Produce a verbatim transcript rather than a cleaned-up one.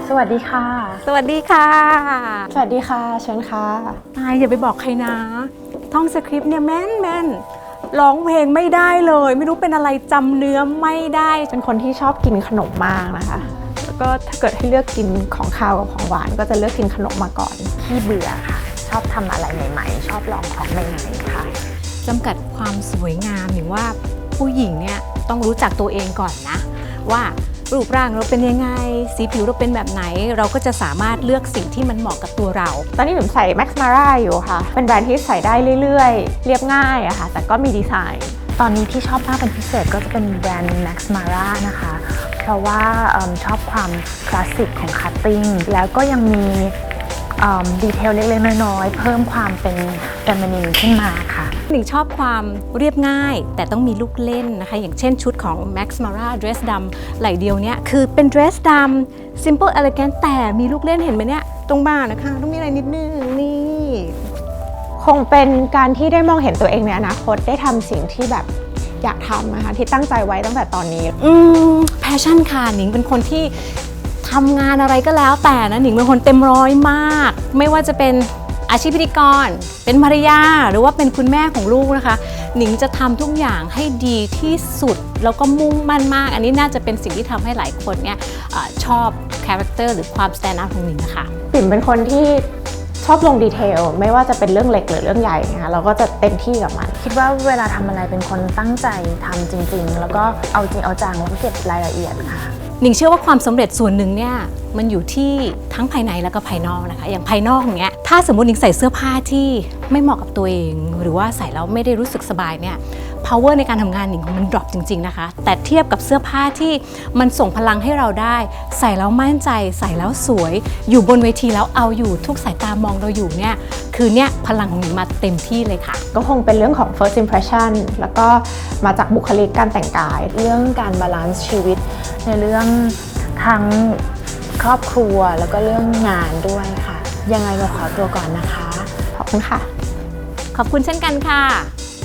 สวัสดีค่ะสวัสดีค่ะสวัสดีค่ะเชิญค่ะนายอย่าไปบอกใครนะท่องสคริปต์เนี่ยแม่นแม่นร้องเพลงไม่ได้เลยไม่รู้เป็นอะไรจำเนื้อไม่ได้เป็นคนที่ชอบกินขนมมากนะคะแล้วก็ถ้าเกิดให้เลือกกินของคาวกับของหวานก็จะเลือกกินขนมมาก่อนที่เบื่อค่ะชอบทำอะไรใหม่ๆชอบลองของใหม่ๆค่ะจำกัดความสวยงามหรือว่าผู้หญิงเนี่ยต้องรู้จักตัวเองก่อนนะว่ารูปร่างเราเป็นยังไงสีผิวเราเป็นแบบไหนเราก็จะสามารถเลือกสิ่งที่มันเหมาะกับตัวเราตอนนี้หนูใส่ Max Mara อยู่ค่ะเป็นแบรนด์ที่ใส่ได้เรื่อยๆเรียบง่ายอะค่ะแต่ก็มีดีไซน์ตอนนี้ที่ชอบมากเป็นพิเศษก็จะเป็นแบรนด์ Max Mara นะคะเพราะว่าชอบความคลาสสิกของคัตติ้งแล้วก็ยังมีดีเทลเล็กๆน้อยๆเพิ่มความเป็นเฟมินินขึ้นมาค่ะหนิงชอบความเรียบง่ายแต่ต้องมีลูกเล่นนะคะอย่างเช่นชุดของ Max Mara Dress ดำไหล่เดียวเนี้ยคือเป็น Dress ดำ Simple Elegant แต่มีลูกเล่นเห็นไหมเนี่ยตรงบ่านะคะต้องมีอะไรนิดนึงนี่คงเป็นการที่ได้มองเห็นตัวเองในอนาคตได้ทำสิ่งที่แบบอยากทำนะคะที่ตั้งใจไว้ตั้งแต่ตอนนี้อืมแพชชั่นค่ะหนิงเป็นคนที่ทำงานอะไรก็แล้วแต่นะหนิงเป็นคนเต็มร้อยมากไม่ว่าจะเป็นอาชีพพิธีกรเป็นภรรยาหรือว่าเป็นคุณแม่ของลูกนะคะหนิงจะทำทุกอย่างให้ดีที่สุดแล้วก็มุ่งมั่นมากอันนี้น่าจะเป็นสิ่งที่ทำให้หลายคนเนี่ยชอบคาแรคเตอร์หรือความสแตนด์อัพของหนิงนะคะปิ่มเป็นคนที่ชอบลงดีเทลไม่ว่าจะเป็นเรื่องเล็กหรือเรื่องใหญ่นะคะเราก็จะเต็มที่กับมันคิดว่าเวลาทำอะไรเป็นคนตั้งใจทำจริงๆแล้วก็เอาจริงเอาจังแล้วก็เก็บรายละเอียดค่ะหนิงเชื่อว่าความสำเร็จส่วนหนึ่งเนี่ยมันอยู่ที่ทั้งภายในแล้วก็ภายนอกนะคะอย่างภายนอกอย่างเงี้ยถ้าสมมติหนิงใส่เสื้อผ้าที่ไม่เหมาะกับตัวเองหรือว่าใส่แล้วไม่ได้รู้สึกสบายเนี่ย power ในการทำงานหนิงมัน drop จริงๆนะคะแต่เทียบกับเสื้อผ้าที่มันส่งพลังให้เราได้ใส่แล้วมั่นใจใส่แล้วสวยอยู่บนเวทีแล้วเอาอยู่ทุกสายตามองเราอยู่เนี่ยคือเนี่ยพลังของหนิงมาเต็มที่เลยค่ะก็คงเป็นเรื่องของ first impression แล้วก็มาจากบุคลิกการแต่งกายเรื่องการบาลานซ์ชีวิตในเรื่องทั้งครอบครัวแล้วก็เรื่องงานด้วยค่ะยังไงมาขอตัวก่อนนะคะขอบคุณค่ะขอบคุณเช่นกันค่ะ